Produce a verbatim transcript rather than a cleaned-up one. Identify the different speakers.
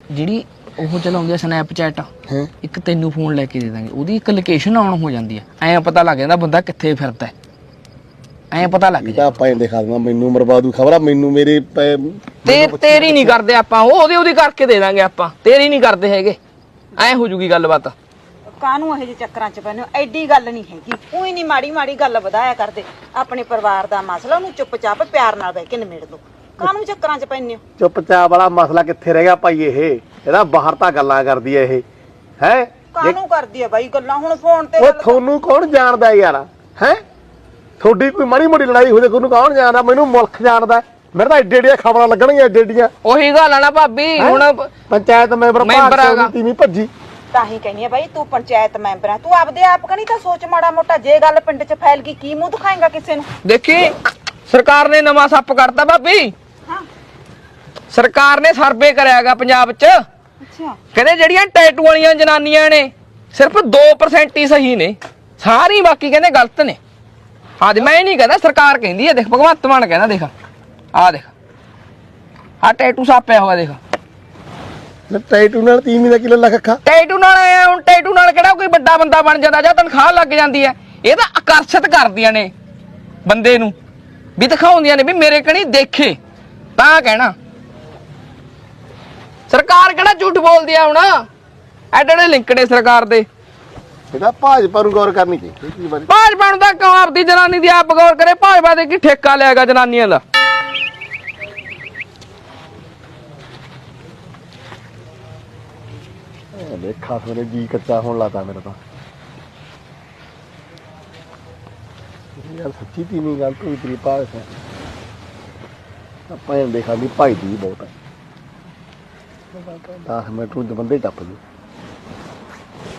Speaker 1: ਜਿਹੜੀ ਉਹ ਚਲਾਉਂਦੀ ਆ ਸਨੈਪਚੈਟ, ਇੱਕ ਤੈਨੂੰ ਫੋਨ ਲੈ ਕੇ ਦੇ ਦਾਂਗੇ, ਉਹਦੀ ਇੱਕ ਲੋਕੇਸ਼ਨ ਆਨ ਹੋ ਜਾਂਦੀ ਆ, ਐਂ ਪਤਾ ਲੱਗ ਜਾਂਦਾ ਬੰਦਾ ਕਿੱਥੇ ਫਿਰਦਾ, ਐਂ ਪਤਾ ਲੱਗ ਜਾਂਦਾ।
Speaker 2: ਆਪਾਂ ਇਹ ਦਿਖਾ ਦੇਣਾ ਮੈਨੂੰ ਮਰਵਾਦੂ ਖਬਰ ਆ ਮੈਨੂੰ ਮੇਰੇ
Speaker 1: ਤੇ ਤੇਰੀ ਨਹੀਂ ਕਰਦੇ ਆਪਾਂ, ਉਹ ਉਹਦੀ ਉਹਦੀ ਕਰਕੇ ਦੇ ਦਾਂਗੇ ਆਪਾਂ, ਤੇਰੀ ਨਹੀਂ ਕਰਦੇ ਹੈਗੇ, ਐਂ ਹੋ ਜੂਗੀ ਗੱਲਬਾਤ।
Speaker 3: ਕਾਹਨੂੰ ਇਹੋ ਜਿਹੇ ਚੱਕਰਾਂ 'ਚ ਪੈਨੇ ਹੋ? ਐਡੀ ਗੱਲ ਨਹੀਂ ਹੈਗੀ, ਉਹੀ ਨਹੀਂ ਮਾੜੀ ਮਾੜੀ ਗੱਲ ਵਧਾਇਆ ਕਰਦੇ। ਆਪਣੇ ਪਰਿਵਾਰ ਦਾ ਮਸਲਾ ਉਹਨੂੰ ਚੁੱਪਚਾਪ ਪਿਆਰ ਨਾਲ ਬਹਿ ਕੇ ਨਿਮੇੜ ਦੋ। ਕਾਹਨੂੰ ਚੱਕਰਾਂ 'ਚ ਪੈਨੇ ਹੋ?
Speaker 2: ਚੁੱਪਚਾਪ ਵਾਲਾ ਮਸਲਾ ਕਿੱਥੇ ਰਹਿ ਗਿਆ ਭਾਈ? ਇਹ ਇਹਦਾ ਬਾਹਰ ਤਾਂ ਗੱਲਾਂ ਕਰਦੀ ਐ ਇਹ, ਹੈ
Speaker 3: ਕਾਹਨੂੰ ਕਰਦੀ ਐ ਬਾਈ ਗੱਲਾਂ? ਹੁਣ ਫੋਨ ਤੇ
Speaker 2: ਉਹ ਤੁਹਾਨੂੰ ਕੌਣ ਜਾਣਦਾ ਯਾਰ? ਹੈ ਤੁਹਾਡੀ ਕੋਈ ਮਾੜੀ ਮੋਟੀ ਲੜਾਈ ਹੋ ਜਾਏ ਉਹਨੂੰ ਕੌਣ ਜਾਣਦਾ? ਮੈਨੂੰ ਮੁਲਕ ਜਾਣਦਾ। ਮੇਰੇ ਤਾਂ ਏਡੇ ਏਡੀਆਂ ਖਬਰਾਂ ਲੱਗਣਗੀਆਂ, ਏਡੇ ਏਡੀਆਂ।
Speaker 1: ਉਹੀ ਗੱਲ ਆ ਨਾ ਭਾਬੀ, ਹੁਣ
Speaker 2: ਪੰਚਾਇਤ ਮੈਂਬਰ
Speaker 1: ਮੈਂਬਰ
Speaker 2: ਤੀਵੀਂ ਭੱਜੀ।
Speaker 3: ਤਾਂ ਹੀ ਕਹਿੰਦੀ ਆ ਬਾਈ, ਤੂੰ ਪੰਚਾਇਤ ਮੈਂਬਰ ਆ, ਤੂੰ ਆਪਦੇ ਆਪ ਕਣੀ ਤਾਂ ਸੋਚ ਮਾੜਾ ਮੋਟਾ। ਜੇ ਗੱਲ ਪਿੰਡ 'ਚ ਫੈਲ ਗਈ ਕੀ ਮੂੰਹ ਦਿਖਾਏਗਾ ਕਿਸੇ ਨੂੰ?
Speaker 1: ਦੇਖੀ ਸਰਕਾਰ ਨੇ ਨਵਾਂ ਸੱਪ ਕਰਤਾ ਭਾਬੀ।
Speaker 3: ਹਾਂ
Speaker 1: ਸਰਕਾਰ ਨੇ ਸਰਵੇ ਕਰਿਆਗਾ ਪੰਜਾਬ 'ਚ,
Speaker 3: ਅੱਛਾ।
Speaker 1: ਕਹਿੰਦੇ ਜਿਹੜੀਆਂ ਟੈਟੂ ਵਾਲੀਆਂ ਜਨਾਨੀਆਂ ਨੇ ਸਿਰਫ ਦੋ ਪਰਸੈਂਟ ਹੀ ਸਹੀ ਨੇ, ਸਾਰੀ ਬਾਕੀ ਕਹਿੰਦੇ ਗਲਤ ਨੇ। ਹਾਂ ਜੀ, ਮੈਂ ਇਹ ਨਹੀਂ ਕਹਿੰਦਾ, ਸਰਕਾਰ ਕਹਿੰਦੀ ਹੈ। ਦੇਖ ਭਗਵੰਤ ਮਾਨ ਕਹਿੰਦਾ, ਦੇਖ ਆਹ ਦੇਖ ਆਹ ਟੈਟੂ ਸਾਪਿਆ ਹੋਇਆ, ਦੇਖ
Speaker 2: ਟੈਟੂ ਨਾਲ ਤੀਵੀਂ ਦਾ ਕਿਲੋ ਲੱਖ ਅੱਖਾਂ।
Speaker 1: ਟੈਟੂ ਨਾਲ ਆਇਆ, ਹੁਣ ਟੈਟੂ ਨਾਲ ਕਿਹੜਾ ਕੋਈ ਵੱਡਾ ਬੰਦਾ ਬਣ ਜਾਂਦਾ ਜਾਂ ਤਨਖਾਹ ਲੱਗ ਜਾਂਦੀ ਹੈ? ਇਹ ਤਾਂ ਆਕਰਸ਼ਿਤ ਕਰਦੀਆਂ ਨੇ ਬੰਦੇ ਨੂੰ, ਵੀ ਦਿਖਾਉਂਦੀਆਂ ਨੇ ਵੀ ਮੇਰੇ ਕਣੀ ਦੇਖੇ, ਤਾਂ ਕਹਿਣਾ। ਸਰਕਾਰ ਕਿਹੜਾ ਝੂਠ ਬੋਲਦੀ ਆ? ਹੁਣ ਐਡੇ ਐਡੇ ਲਿੰਕ ਨੇ ਸਰਕਾਰ ਦੇ।
Speaker 2: ਇਹਦਾ ਭਾਜਪਾ ਨੂੰ ਗੌਰ ਕਰਨੀ ਚਾਹੀਦੀ।
Speaker 1: ਭਾਜਪਾ ਨੂੰ ਤਾਂ ਕਿਉਂ ਆਪਦੀ ਜਨਾਨੀ ਦੀ ਆਪ ਗੌਰ ਕਰੇ? ਭਾਜਪਾ ਦੇ ਕੀ ਠੇਕਾ ਲਿਆਗਾ ਜਨਾਨੀਆਂ ਦਾ?
Speaker 2: ਦੇਖਾ ਸੋਨੇ ਜੀ ਕੱਚਾ ਹੋਣ ਲਾਤਾ ਮੇਰਾ ਤਾਂ ਯਾਰ, ਸੱਚੀ ਤੀਵੀਂ ਗੱਲ ਕੋਈ ਤੇਰੀ ਪਾਸ ਹੈ। ਆਪਾਂ ਇਹ ਦੇਖਾ ਵੀ ਭਾਈ ਦੀ ਬਹੁਤ ਹੈ। ਦਸ ਮਿੰਟ ਨੂੰ ਬੰਦੇ ਟੱਪ ਗਏ।